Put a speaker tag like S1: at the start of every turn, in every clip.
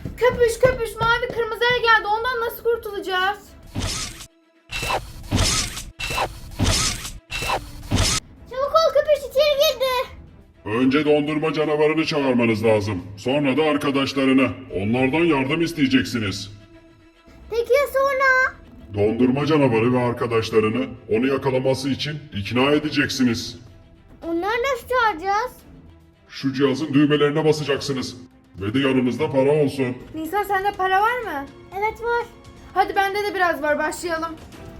S1: Köpüş köpüş mavi kırmızı el geldi. Ondan nasıl kurtulacağız?
S2: Çabuk ol, köpüş içeri girdi.
S3: Önce dondurma canavarını çağırmanız lazım. Sonra da arkadaşlarını. Onlardan yardım isteyeceksiniz.
S2: Peki ya sonra?
S3: Dondurma canavarı ve arkadaşlarını onu yakalaması için ikna edeceksiniz.
S2: Onları nasıl çağıracağız?
S3: Şu cihazın düğmelerine basacaksınız. Ve de yanınızda para olsun.
S1: Nisa sende para var mı?
S2: Evet var.
S1: Hadi bende de biraz var, başlayalım.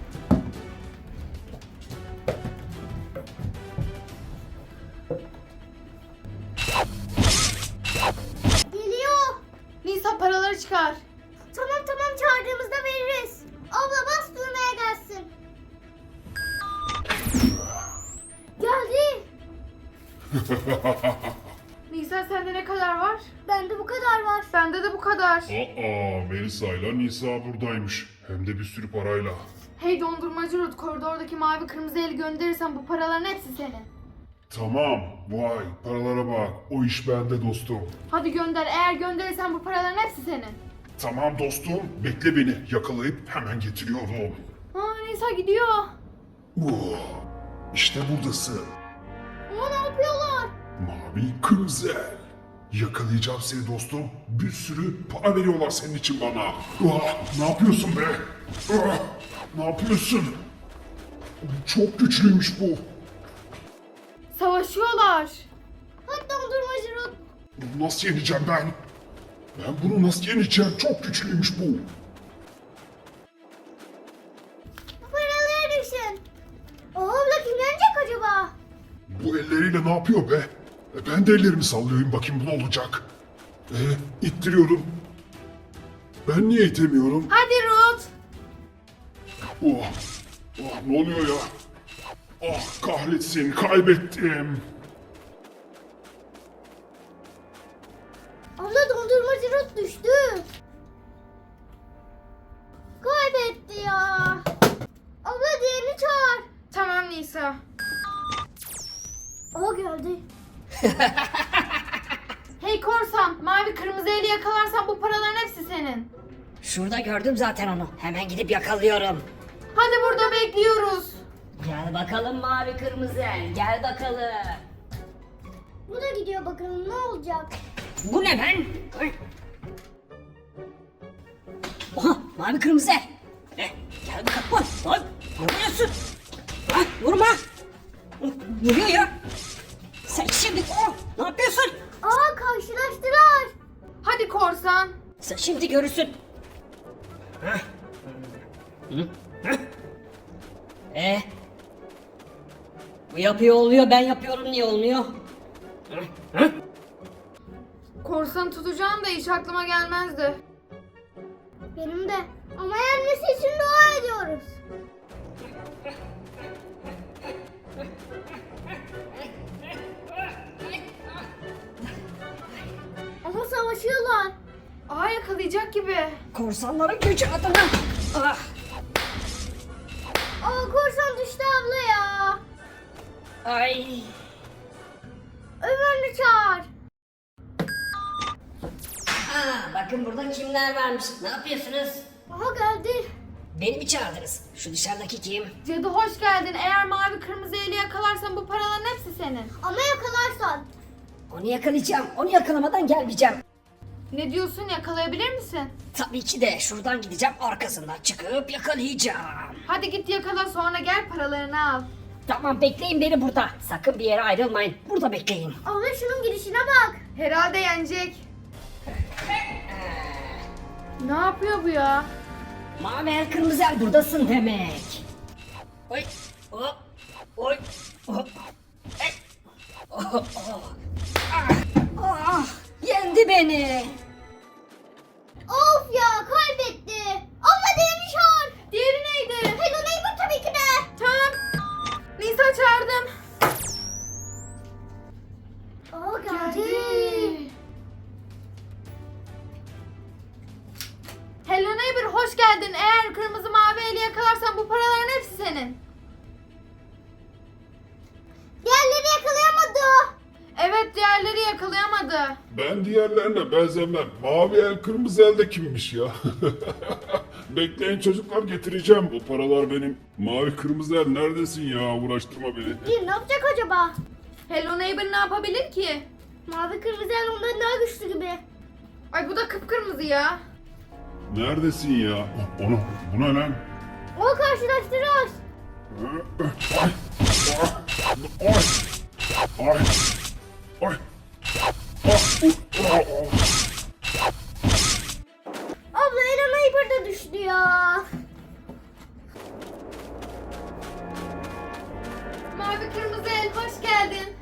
S2: Geliyor.
S1: Nisa paraları çıkar.
S2: Tamam çağırdığımızda veririz. Abla bas düğmeye gelsin. Geldi.
S1: Nisa sende ne kadar var?
S2: Bende bu kadar var.
S1: Bende de bu kadar.
S3: Melisa ile Nisa buradaymış. Hem de bir sürü parayla.
S1: Hey dondurmacı Ruth, koridordaki mavi kırmızı eli gönderirsen bu paraların hepsi senin.
S3: Tamam. Vay paralara bak. O iş bende dostum.
S1: Hadi gönder, eğer gönderirsen bu paraların hepsi senin.
S3: Tamam dostum. Bekle beni. Yakalayıp hemen getiriyorum.
S1: Nisa gidiyor.
S3: İşte buradasın.
S2: Ne yapıyorlar?
S3: Mavi kırmızı el. Yakalayacağım seni dostum. Bir sürü para veriyorlar senin için bana. Ne yapıyorsun be? Ne yapıyorsun? Çok güçlüymüş bu.
S1: Savaşıyorlar.
S2: Hadi dondurmacı Ruth.
S3: Bunu nasıl yeneceğim ben? Ben bunu nasıl yeneceğim? Çok güçlüymüş bu.
S2: Bu paraları düşün. Abla kim yenecek acaba?
S3: Bu elleriyle ne yapıyor be? Ben de ellerimi sallıyorum bakayım bu ne olacak? İttiriyorum. Ben niye itemiyorum?
S1: Hadi Ruth.
S3: Ne oluyor ya? Kahretsin kaybettim.
S2: Abla dondurmacı Ruth düştü. Kaybetti ya. Abla diğerini çağır.
S1: Tamam Nisa.
S2: O geldi.
S1: Hey korsan, mavi kırmızı eli yakalarsan bu paraların hepsi senin.
S4: Şurada gördüm zaten onu. Hemen gidip yakalıyorum.
S1: Hadi burada bekliyoruz.
S4: Gel bakalım mavi kırmızı el. Gel bakalım.
S2: Bu da gidiyor, bakalım ne olacak.
S4: Bu ne ben? Ay. Oha mavi kırmızı el. Gel bakalım. Ay, ne vuruyorsun? Ay, vurma. Vuruyor ya. Sen şimdi ne yapıyorsun?
S2: Aa, karşılaştılar.
S1: Hadi korsan.
S4: Sen şimdi görürsün. Bu yapıyor oluyor, ben yapıyorum niye olmuyor?
S1: Korsanı tutacağım da hiç aklıma gelmezdi.
S2: Benim de. Ama yenmesi için dua ediyoruz. Ama savaşıyorlar.
S1: Yakalayacak gibi.
S4: Korsanların gücü adına. Ah.
S2: Aa, korsan düştü abla ya.
S4: Ay.
S2: Ömer'i çağır.
S4: Bakın burada kimler varmış. Ne yapıyorsunuz?
S2: Aha geldi.
S4: Beni mi çağırdınız? Şu dışarıdaki kim?
S1: Cadı hoş geldin. Eğer mavi kırmızı eli yakalarsan bu paraların hepsi senin.
S2: Ama yakalarsan.
S4: Onu yakalayacağım. Onu yakalamadan gelmeyeceğim.
S1: Ne diyorsun, yakalayabilir misin?
S4: Tabii ki de şuradan gideceğim, arkasından çıkıp yakalayacağım.
S1: Hadi git yakala, sonra gel paralarını al.
S4: Tamam, bekleyin beni burada. Sakın bir yere ayrılmayın. Burada bekleyin.
S2: Abla şunun gidişine bak.
S1: Herhalde yenecek. Ne yapıyor bu ya?
S4: Mavi el kırmızı el buradasın demek. Oy. Hop. Oy. Hop. Yendi beni.
S2: Of ya, kaybetti. Abla diğerini çağır.
S1: Diğeri neydi?
S2: Hello Neighbor tabii ki de.
S1: Tamam. Nisa çağırdım.
S2: Aa, geldi.
S1: Hello neighbor, hoş geldin. Eğer kırmızı mavi eli yakalarsan bu paraların hepsi senin.
S2: Diğerleri yakalayamadı.
S1: Evet, diğerleri yakalayamadı. kaldı.
S3: Ben diğerlerine benzemem. Mavi el kırmızı el de kimmiş ya? Bekleyin çocuklar, getireceğim. Bu paralar benim. Mavi kırmızı el neredesin ya? Uğraştırma beni.
S2: Bir ne yapacak acaba?
S1: Hello Neighbor ne yapabilir ki?
S2: Mavi kırmızı el ondan daha güçlü gibi.
S1: Ay bu da kıpkırmızı ya.
S3: Neredesin ya? Onu, bu ne lan?
S2: O karşılaştırıyoruz.
S3: Ay! Ay! Ay! Ay!
S2: Abla Ela Neighbor da düştü ya.
S1: Mavi kırmızı el hoş geldin.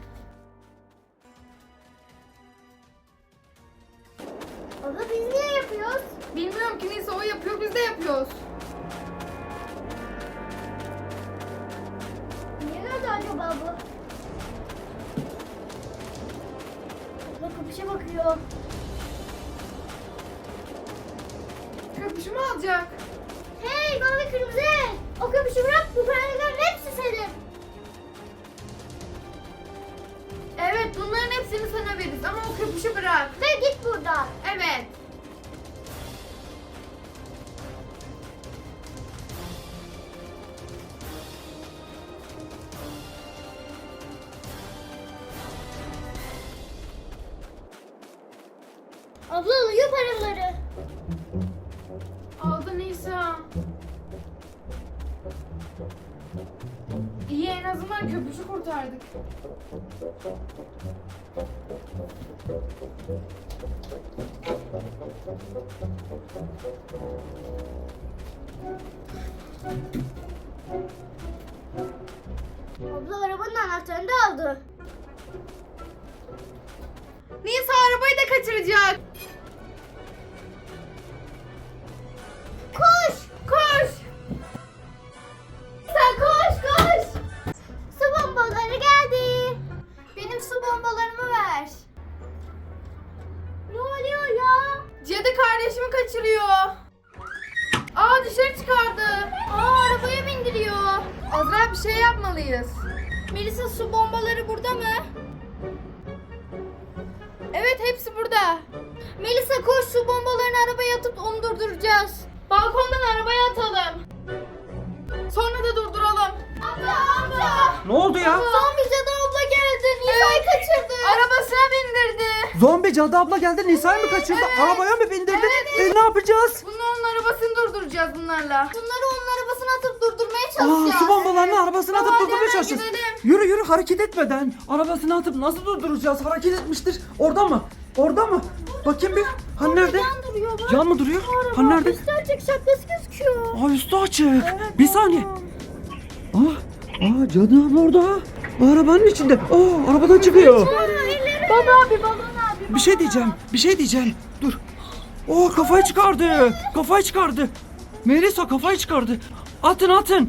S2: Abla biz niye yapıyoruz?
S1: Bilmiyorum ki neyse o yapıyor biz de yapıyoruz.
S2: Niye nerede acaba bu? Abla kapışa bakıyor.
S1: Köpüşümü alacak.
S2: Hey mavi kırmızı el. O kapışı bırak, bu paraların hepsi senin.
S1: Evet bunların hepsini sana veririz ama o köpüşü bırak.
S2: Ve git buradan.
S1: Evet.
S2: Abla alıyor paraları.
S1: Aldı Nisa. İyi en azından köpüşü kurtardık.
S2: Abla arabanın anahtarını da aldı.
S1: Nisa arabayı da kaçıracak.
S2: Koş!
S1: Koş.
S2: Sen koş koş! Su bombaları geldi. Benim su bombalarımı ver. Ne oluyor ya?
S1: Cadı kardeşimi kaçırıyor. Aa dışarı çıkardı.
S2: Aa arabaya bindiriyor.
S1: Azra bir şey yapmalıyız.
S2: Melisa su bombaları burada mı?
S1: Evet hepsi burada.
S2: Melisa koş, su bombalarını arabaya atıp onu durduracağız.
S1: Balkondan arabaya atalım. Sonra da durduralım.
S2: Abla!
S5: Ne oldu ya?
S2: Zombi cadı abla geldi. Nisa'yı kaçırdı.
S1: Arabasına bindirdi.
S5: Zombi cadı abla geldi, Nisa'yı mı kaçırdı? Arabaya mı bindirdi? Ne yapacağız?
S1: Bunların arabasını durduracağız bunlarla.
S2: Bunları onun arabasına atıp durdurmaya
S5: Aa,
S2: çalışacağız.
S5: su bombalarını arabasına atıp
S1: Hadi
S5: durdurmaya
S1: hemen
S5: çalışacağız.
S1: gidelim.
S5: Yürü yürü, hareket etmeden. Arabasına atıp nasıl durduracağız? Hareket etmiştir. Orada mı? Orada mı? Bakayım bir. Hani nerede?
S2: Yan duruyor bak.
S5: Can mı duruyor? Hani nerede?
S2: Üstü açık, şapkası gözüküyor.
S5: Aa, üstü açık. Bir saniye. Cadı abla orada. Arabanın içinde. Arabadan çıkıyor.
S2: Baba abi, balon abi.
S5: Bir şey diyeceğim. Dur. Kafayı çıkardı. Melisa kafayı çıkardı. Atın.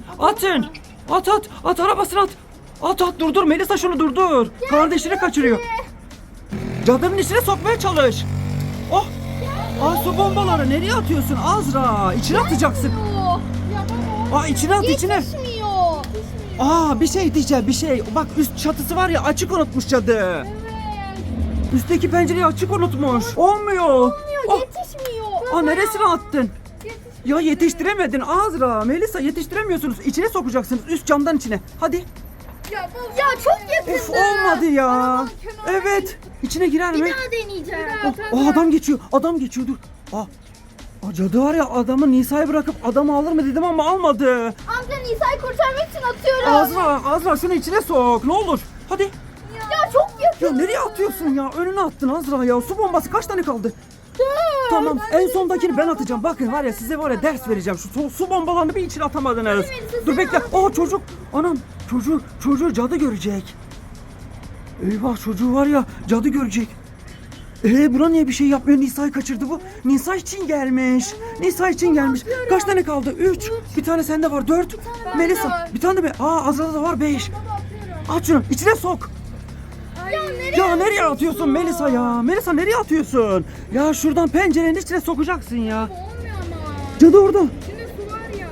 S5: At arabasını at. At durdur Melisa, şunu durdur. Kardeşini kaçırıyor. Cadının içine sokmaya çalış. Su bombaları nereye atıyorsun Azra? İçine atacaksın. İçine at içine.
S2: Yetişmiyor.
S5: Bir şey diyeceğim, bir şey. Bak üst çatısı var ya, açık unutmuş cadı. Üstteki pencereyi açık unutmuş. Olmuyor.
S2: Yetişmiyor.
S5: Neresine attın? Ya yetiştiremedin Azra. Melisa yetiştiremiyorsunuz. İçine sokacaksınız, üst camdan içine. Hadi.
S2: Ya çok yakındı.
S5: Of, olmadı ya. Evet. İçine girer mi?
S2: Bir daha deneyeceğim.
S5: Adam geçiyor dur. Cadı var ya, adamı Nisa'yı bırakıp adamı alır mı dedim ama almadı.
S2: Amca Nisa'yı kurtarmak için atıyorum.
S5: Azra şunu içine sok ne olur. Hadi.
S2: Ya çok yakın.
S5: Ya nereye atıyorsun ya? Önüne attın Azra ya. Su bombası kaç tane kaldı? Tamam, en sondakini ben atacağım. Bakın var ya, size var ya ders vereceğim. Şu su bombalarını bir içine atamadınız. Dur bekle. Çocuk. Anam, çocuğu cadı görecek. Eyvah, çocuğu var ya cadı görecek. Buna niye bir şey yapmıyor? Nisa'yı kaçırdı bu. Nisa için gelmiş. Kaç tane kaldı? 3. Bir tane sende var. 4. Melisa. Bir tane de mi? Azra'da da var 5. Aç şunu. İçine sok. Ya nereye atıyorsun Melisa ya? Melisa nereye atıyorsun? Ya şuradan pencerenin içine sokacaksın ya.
S2: Olmuyor ama.
S5: Cadı orada.
S2: İçinde su var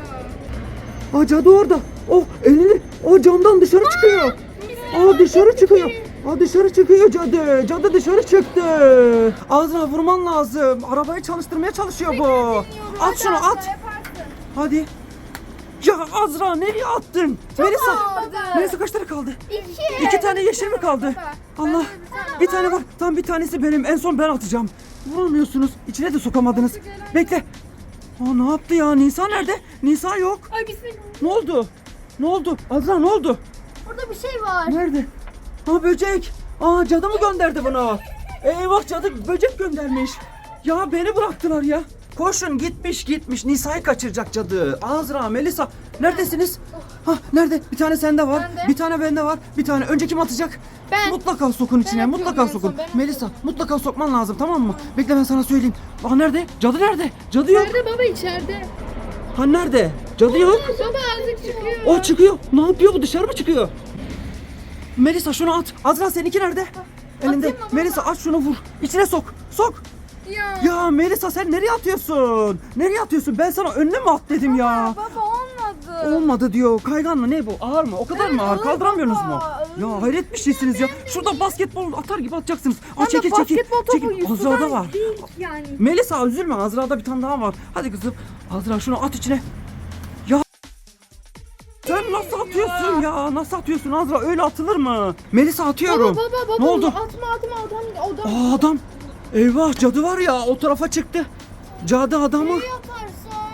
S2: ya.
S5: Cadı orada. Elini camdan dışarı çıkıyor. Dışarı çıkıyor. Aa, dışarı çıkıyor cadı. Cadı dışarı çıktı. Azra vurman lazım. Arabayı çalıştırmaya çalışıyor bu. At şunu at. Hadi. Ya Azra nereye attın? Melisa. Melisa kaç tane kaldı? 2 tane yeşil mi kaldı? Allah. Bir tane var. Tam bir tanesi benim. En son ben atacağım. Vuramıyorsunuz. İçine de sokamadınız. Bekle. Aa, ne yaptı ya? Nisa nerede? Nisa yok.
S1: Ay bismillah.
S5: Ne oldu? Ne oldu? Azra ne oldu?
S2: Burada bir şey var.
S5: Nerede? Aa, böcek. Aa, cadı mı gönderdi bunu? Eyvah, cadı böcek göndermiş. Ya beni bıraktılar ya. Koşun, gitmiş. Nisa'yı kaçıracak cadı. Azra, Melisa neredesiniz? Ha, nerede? Bir tane sende var.
S1: Bende.
S5: Bir tane bende var. Bir tane önce kim atacak?
S1: Ben.
S5: Mutlaka sokun içine.
S1: atıyorum
S5: Mutlaka
S1: en
S5: sokun.
S1: son, ben
S5: Melisa mutlaka sokman lazım, tamam mı? Bekle, ben sana söyleyeyim. Aa, nerede? Cadı nerede? Cadı yok.
S1: Nerede baba içeride?
S5: Ha, nerede? Cadı yok.
S1: Baba azıcık çıkıyor.
S5: O çıkıyor. Ne yapıyor bu? Dışarı mı çıkıyor? Melisa şunu at. Azra seninki nerede? Elinde.
S1: atayım mı baba?
S5: Melisa at şunu, vur. İçine sok. Sok.
S1: Ya.
S5: Ya Melisa sen nereye atıyorsun? Nereye atıyorsun? Ben sana önüne mi at dedim ya?
S1: Baba olmadı.
S5: Olmadı diyor. Kaygan mı? Ne bu? Ağır mı? O kadar mı ağır?
S1: ağır
S5: Kaldıramıyorsunuz mu?
S1: baba,
S5: Ya hayret bir şeysiniz ya. Şurada basketbol atar gibi atacaksınız. Aa,
S1: Ama
S5: çekil.
S1: basketbol topu
S5: Çekil.
S1: Yusuf'tan
S5: Azra'da var.
S1: değil yani.
S5: Melisa üzülme. Azra'da bir tane daha var. Hadi kızım. Azra şunu at içine. Ya sen nasıl atıyorsun ya? Nasıl atıyorsun Azra? Öyle atılır mı? Melisa atıyorum.
S1: Baba
S5: Ne oldu?
S1: Atma adam.
S5: Aa, adam. Eyvah, cadı var ya, o tarafa çıktı. Cadı adamı.
S2: Yaparsa.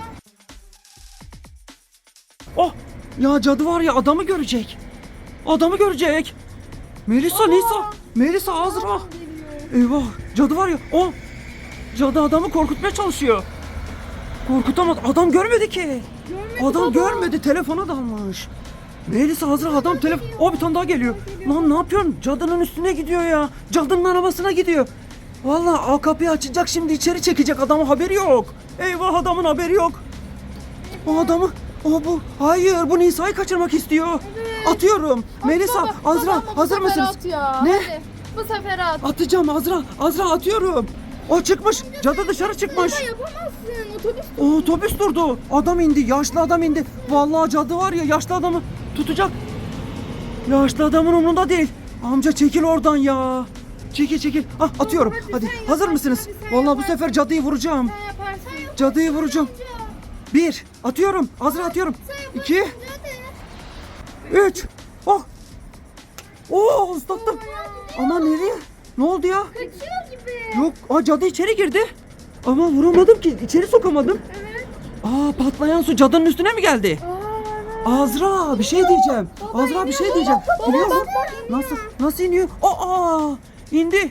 S5: Oh ya, cadı var ya, adamı görecek. Adamı görecek. Melisa Azra. Eyvah, cadı var ya. O cadı adamı korkutmaya çalışıyor. Korkutamadı. Adam görmedi ki. Adam görmedi, telefona dalmış. Melisa Azra, adam telefon. O bir tane daha geliyor. Lan ne yapıyorsun? Cadının üstüne gidiyor ya. Cadının arabasına gidiyor. Vallahi o kapıyı açacak, şimdi içeri çekecek, adamın haberi yok. Eyvah, adamın haberi yok. O adamı, bu. Hayır, bu Nisa'yı kaçırmak istiyor. Atıyorum. Melisa, Azra hazır mısınız? Ne?
S1: Hadi, bu sefer at.
S5: Atacağım Azra atıyorum. O çıkmış. Cadı dışarı çıkmış.
S1: Yapamazsın. Otobüs.
S5: O otobüs durdu. Adam indi. Yaşlı adam indi. Vallahi cadı var ya, yaşlı adamı tutacak. Yaşlı adamın umurunda değil. Amca çekil oradan ya. Çekil. Ah, atıyorum. Hadi. Hazır mısınız? Vallahi bu sefer cadıyı vuracağım.
S1: Yaparsın.
S5: Cadıyı vuracağım. 1. Atıyorum. Azra atıyorum. 2. 3. Oh. Oo, ıslattım. Ama nereye? Ne oldu ya?
S1: Kaçıyor gibi.
S5: Yok. Aa, cadı içeri girdi. Ama vuramadım ki. İçeri sokamadım.
S1: Evet.
S5: Aa, patlayan su cadının üstüne mi geldi? Azra bir şey diyeceğim. Azra bir şey diyeceğim. İniyor mu? Nasıl iniyor? Aa, indi.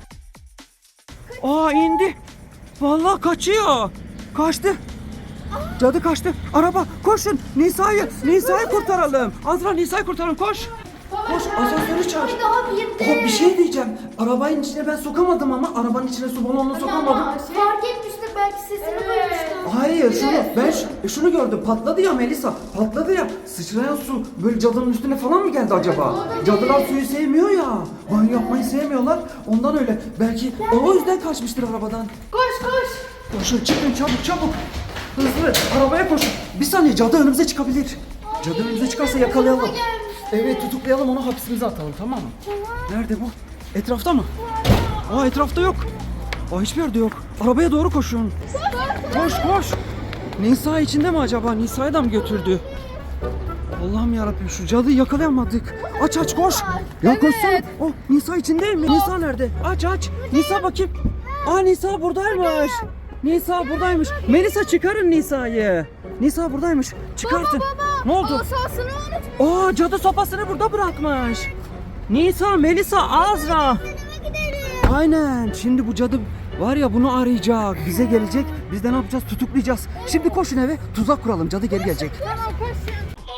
S5: Aa, indi. Vallahi kaçıyor. Kaçtı. Cadı kaçtı. Araba, koşun. Nisa'yı kurtaralım. Azra, Nisa'yı kurtaralım. Koş. Koş, asansörü çağır.
S2: Daha bir
S5: Bir şey diyeceğim. Arabanın içine ben sokamadım ama arabanın içine su balonunu sokamadım.
S2: Fark etmiştir, belki sesini duymuştur.
S5: Hayır, şunu gördüm. Patladı ya Melisa. Patladı ya. Sıçrayan su böyle cadının üstüne falan mı geldi acaba? Cadılar suyu sevmiyor ya. Banyo yapmayı sevmiyorlar. Ondan öyle. Belki o yüzden kaçmıştır arabadan.
S1: Koş.
S5: Koşun, çıkın çabuk. Hızlı arabaya koşun. Bir saniye, cadı önümüze çıkabilir. Cadı önümüze çıkarsa yakalayalım. Evet, tutuklayalım onu, hapsimize atalım, tamam mı? Nerede bu? Etrafta mı? Aa, etrafta yok. Aa, hiçbir yerde yok. Arabaya doğru koşun. Koş. Nisa içinde mi acaba? Nisa'yı da mı götürdü? Allah'ım yarabbim, şu cadıyı yakalayamadık. Aç koş. Ya koşsana. Oh, Nisa içinde mi? Nisa nerede? Aç. Nisa bakayım. Aa, Nisa buradaymış. Melisa, çıkarın Nisa'yı. Nisa buradaymış. Çıkartın. Ne oldu?
S1: Asasını unut.
S5: Aa, cadı sopasını burada bırakmış. Nisa, Melisa, Azra. Aynen. Şimdi bu cadı var ya, bunu arayacak. Bize gelecek. Biz de ne yapacağız? Tutuklayacağız. Şimdi koşun eve. Tuzak kuralım. Cadı geri gelecek.
S1: Tamam koşun.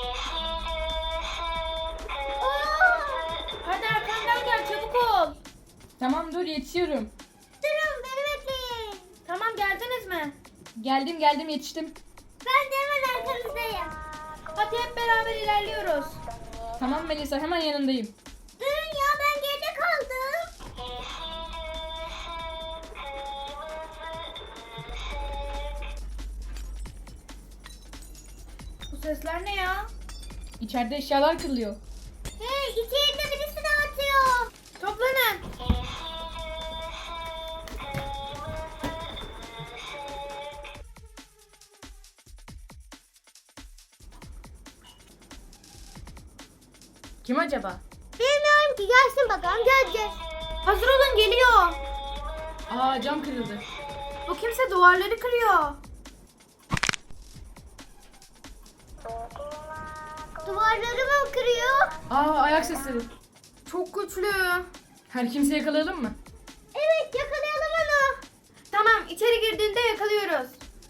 S1: Hadi arkamdan gel, çabuk ol. Tamam dur, yetişiyorum.
S2: Durun, beni bekleyin.
S1: Tamam, geldiniz mi? Geldim yetiştim.
S2: Ben de hemen arkanızdayım.
S1: Hadi hep beraber ilerliyoruz. Tamam Melisa, hemen yanındayım.
S2: Durun ya, ben geride kaldım.
S1: Bu sesler ne ya? İçeride eşyalar kırılıyor.
S2: Hey, içeride birisi de atıyor.
S1: Kim acaba?
S2: Bilmiyorum ki, gelsin bakalım göreceğiz.
S1: Hazır olun, geliyor. Aa, cam kırıldı. Bu kimse duvarları kırıyor.
S2: Duvarları mı kırıyor?
S1: Aa, ayak sesleri. Çok güçlü. Her kimse yakalayalım mı?
S2: Evet, yakalayalım onu.
S1: Tamam, içeri girdiğinde yakalıyoruz.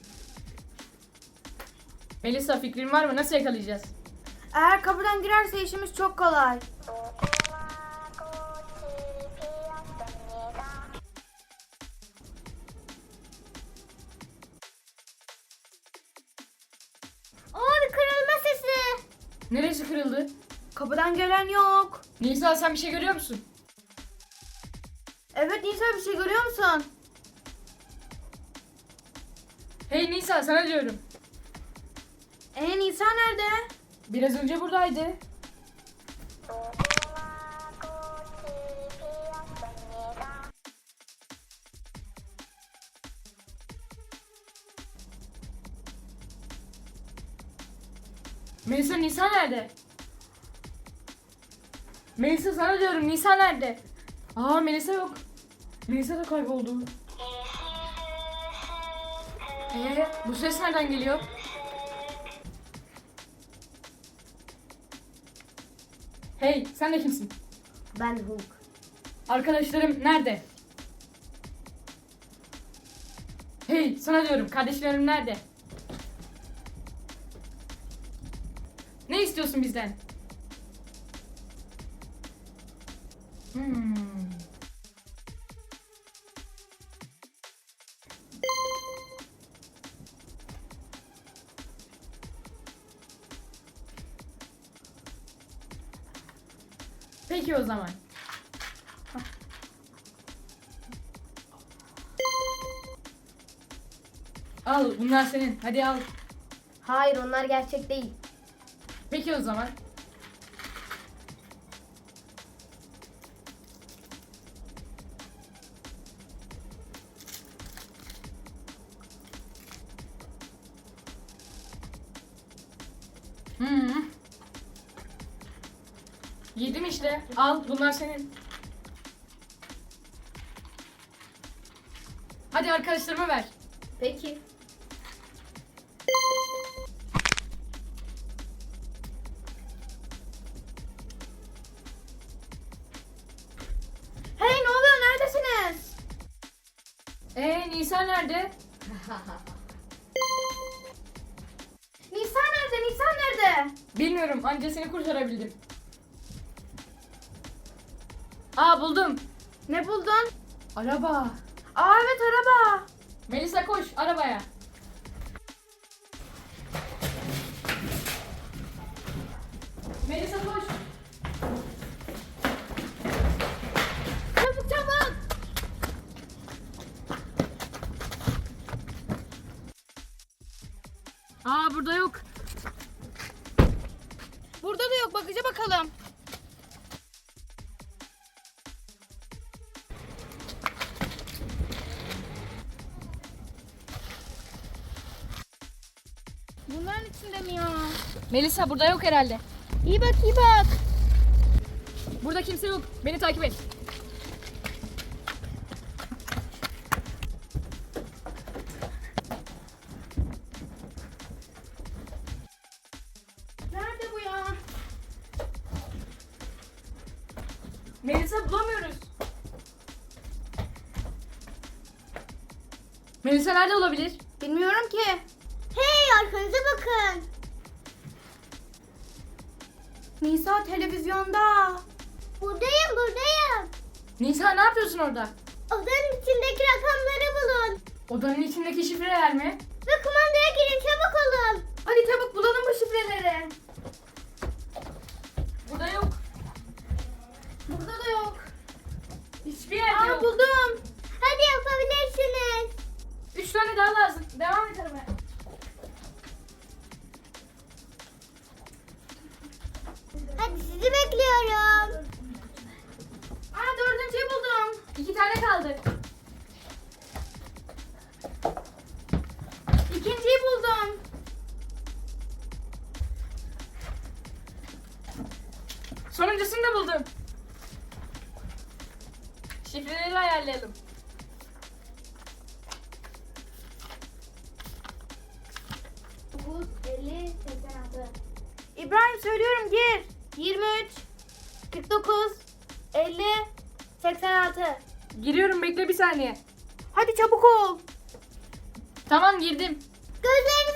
S1: Melisa, fikrin var mı? Nasıl yakalayacağız? Eğer kapıdan girerse işimiz çok kolay.
S2: Bir kırılma sesi.
S1: Neresi kırıldı? Kapıdan gelen yok. Nisa, sen bir şey görüyor musun? Evet Nisa, bir şey görüyor musun? Hey Nisa, sana diyorum. Nisa nerede? Biraz önce buradaydı. Melisa, Nisa nerede? Melisa, sana diyorum, Nisa nerede? Aa, Melisa yok. Melisa da kayboldu. Bu ses nereden geliyor? Hey, sen de kimsin?
S2: Ben Hulk.
S1: Arkadaşlarım nerede? Hey, sana diyorum, kardeşlerim nerede? Ne istiyorsun bizden? Peki o zaman. Al, bunlar senin. Hadi al.
S2: Hayır, onlar gerçek değil.
S1: Peki o zaman. Yedim işte. Al, bunlar senin. Hadi arkadaşlarıma ver.
S2: Peki.
S1: Hey, ne oluyor? Neredesiniz? Nisa nerede? Nisa nerede? Nisa nerede? Bilmiyorum. Anca seni kurtarabildim. Aa, buldum. Ne buldun? Araba. Aa, evet, araba. Melisa, koş arabaya. Melisa, koş. Çabuk çabuk. Aa, burada yok. Burada da yok. Bakıca bakalım. Bunların içinde mi ya? Melisa, burada yok herhalde.
S2: İyi bak, iyi bak.
S1: Burada kimse yok. Beni takip et. Nerede bu ya? Melisa, bulamıyoruz. Melisa nerede olabilir? Bilmiyorum ki.
S2: Hey, arkanıza bakın.
S1: Nisa televizyonda.
S2: Buradayım, buradayım.
S1: Nisa, ne yapıyorsun orada?
S2: Odanın içindeki rakamları bulun.
S1: Odanın içindeki şifreler mi?
S2: Ve kumandaya girin, çabuk olun.
S1: Hadi çabuk bulalım bu şifreleri. Burada yok. Burada da yok. Hiçbir yerde yok.
S2: Buldum. Hadi yapabilirsiniz.
S1: 3 tane daha lazım. Devam et aramaya.
S2: Hadi sizi bekliyorum.
S1: Aa, 4.'yü buldum. 2 tane kaldı. 2.'yi buldum. Sonuncusunu da buldum. Şifreleri ayarlayalım.
S2: Dokuz, 50, 86.
S1: İbrahim söylüyorum gir.
S2: 23, 49, 50, 86.
S1: Giriyorum bekle bir saniye.
S2: Hadi çabuk ol.
S1: Tamam girdim.
S2: Gözlerinizi